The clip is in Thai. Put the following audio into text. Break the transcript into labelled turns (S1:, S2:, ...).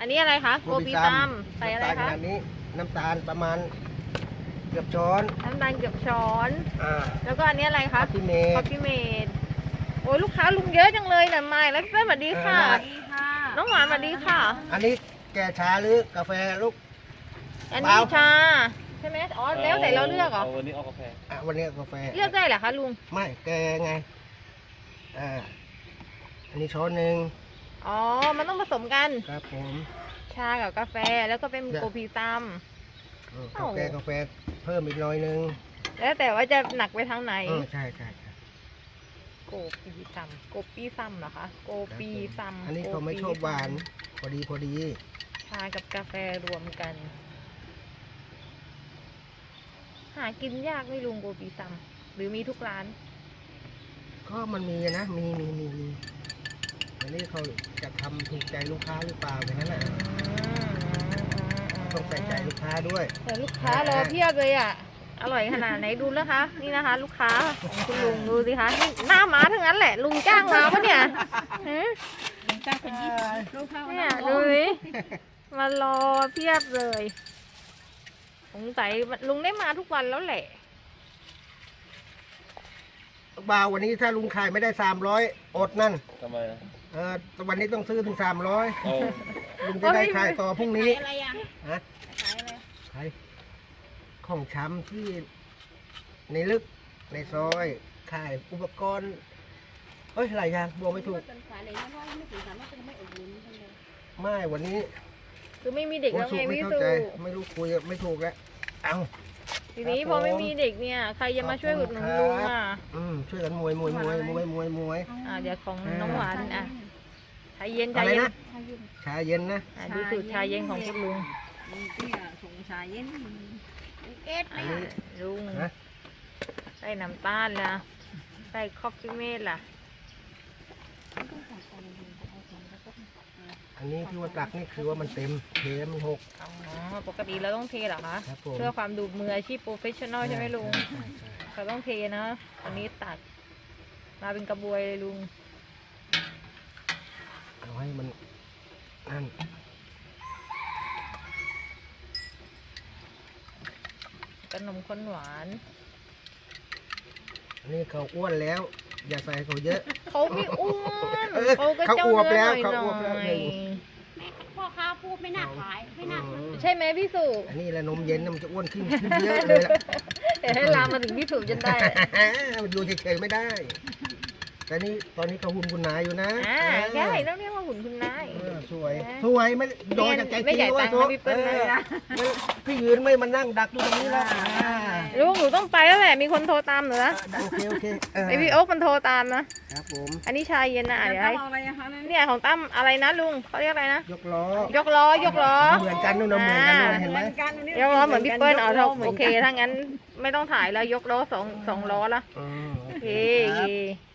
S1: อันนี้อะไรคะโกปีซัมใส่อะไร
S2: น้ำตาลข
S1: คะ
S2: นาดนี้น้ำตาลประมาณเกือบช้อน
S1: น้ำตาลเกือบช้อน
S2: อ่า
S1: แล้วก็อันนี้อะไรคะ
S2: คอฟฟี่เมด
S1: คอฟฟี่เมดโอ้ยลูกค้าลุงเยอะจังเลยนะไม่แล้วพี่เป้สวัสดีค่ะ น้องหวานสวัสดีค่ะ
S2: อันนี้แก่ชาหรือกาแฟลูก
S1: อันนี้ชาใช่ไหมอ๋อแล้วแต่เราเลือกเหรอ
S3: วันนี้เอากาแฟ
S2: อ่ะวันนี้กาแฟ
S1: เลือกได้เหรอคะลุง
S2: ไม่แกไงอันนี้ช้อนหนึ่ง
S1: อ๋อมันต้องผสมกัน
S2: ครับผม
S1: ชากับกาแฟแล้วก็เป็นโกปีซัม
S2: กาแฟเพิ่มอีกหน่อยหนึง
S1: แล้วแต่ว่าจะหนักไปทางไหน
S2: ใช่
S1: โกปีซัมโกปีซัมเหรอคะโกปีซัม
S2: อันนี้เขาไม่ชอบหวานพอดี
S1: ชากับกาแฟรวมกัน หากินยากไหม่ลุงโกปีซัมหรือมีทุกร้าน
S2: ก็มันมีนะมีอันนี้เขาจะทำถูกใจลูกค้าหรือเปล่าอย่างนั้นแหละต้องใส่ใจลูกค้าด้วย
S1: แต่ลูกค้ารอเพียบเลยอ่ะ อร่อยขนาดไหนดูนะคะ นี่นะคะ ลูกค้าของคุณลุงดูสิคะนี่หน้าม้าทั้งนั้นแหละ ลุงจ้างมาปะเนี่ยฮะ
S4: จ้างเป็น20ลูกค้า
S1: เนี่ยดูสิมารอเพียบเลยสงสัยลุงได้มาทุกวันแล้วแหละ
S2: บ่าววันนี้ถ้าลุงขายไม่ได้300อดนั่น
S3: ทำไมอ่ะ
S2: วันนี้ต้องซื้อถึง300
S3: เอา
S2: ลุงจะได้ขายต่อพรุ่งนี้
S4: อะไรอ่ะ
S2: ฮะ
S4: ขายอะไร
S2: ขายของช้ำที่ในลึกในซอยขายอุปกรณ์หลายอย่างบอกไม่ถูก
S4: เป็นขายอะไรนะเพราะไม่ถึงสามารถจะไม่อุดหนุนกันเลย
S2: ไม่วันนี้
S1: คือไม่มีเด็กแล้วไง
S2: ไม่
S1: พี่
S2: เข้า
S1: สุ
S2: ใจไม่รู้คุยไม่ถูกแล้วเอา
S1: ทีนี้
S2: ครับ
S1: พอไม่
S2: ผม
S1: มีเด็กเนี่ย ใครจะมาช่วยอุดหนุนลุงอ่ะ
S2: ช่วยกันมวย
S1: เดี๋ยวของน้องหวานอ่ะชาเย็นชา
S2: อะไร
S1: เย็น
S2: นะชาเย็นนะ
S1: ดูสูตรชาเย็นของคุณลุง
S4: มึงที่ส่งชาเย็นเอ็ด
S2: อันนี้
S1: ลุง
S2: ฮะ
S1: ใส่น้ำตาลล่ะใส่คอฟฟี่เมดล่ะ
S2: อันนี้ที่ว่าตักนี่คือว่ามันเต็มเทมันหก
S1: อ๋อปกติเราต้องเทเหรอคะ
S2: ครับผม
S1: เพื่อความดูมืออาชีพโปรเฟชชั่นอลใช่ไหมลุง
S2: ใช่
S1: เราต้องเทนะอันนี้ตักมาเป็นกระบวยเลยลุง
S2: เอาให้มันนั่น
S1: ขนมข้นหวาน
S2: อันนี้เขาอ้วนแล้ว อย่าใส่เขาเยอะ
S1: เขาไม่อ้วน
S2: เออ
S1: เขาก็
S2: เขา
S1: เจ้า
S2: อวบ
S1: เนื้อ
S2: แล้ว
S1: หน่
S2: เขาอวบแล้ว
S1: อย
S2: หนึ่ง
S4: พ่อค้าพูดไม่น่าขายไม่น่าซื้อ
S1: ๆใช่ไหมพี่สุ
S2: อันนี้แหละนมเย็นน่ะมันจะอ้วนขึ้นเยอะเลยล่ะ
S1: เดี๋ยวให้ลามมาถึงพี่สุจนได้
S2: มันดูเฉยๆไม่ได้ แต่นี่ตอนนี้เขาหุ่นคุณนายอยู่นะ
S1: ใช่ต้องเรียกว่าหุ่นคุณนาย
S2: สวยไม่โดนจากใจ
S1: ไม่จ่ายตังค์ให้พี่เปิ้ลนะ
S2: พี่ยืนไม่มานั่งดักอยู่ตรงนี้แล้ว
S1: ลุงหนูต้องไปแล้วแหละมีคนโทรตามหนูนะ
S2: โอเค
S1: ไอพี่โอ๊คมันโทรตามนะครับ
S2: ผม
S1: อันนี้ชายเย็นนะเดี๋ยวให้
S4: อะไรอะคะนั่น
S1: เนี่ยของตั้มอะไรนะลุงเขาเรียกอะไรนะ
S2: ยกล้อย
S1: กล้อยกล้อ
S2: เหมือนกันนู่นนะเหมือนกันนู่นเห็นไหม
S1: ยกล้อเหมือนพี่เปิ้ลโอเคถ้างั้นไม่ต้องถ่ายแล้วยกล้อสองล้อละ
S2: อืม
S1: โอ
S2: โอ
S1: เค
S2: เค
S1: โอ
S2: ครั
S1: เค
S2: บ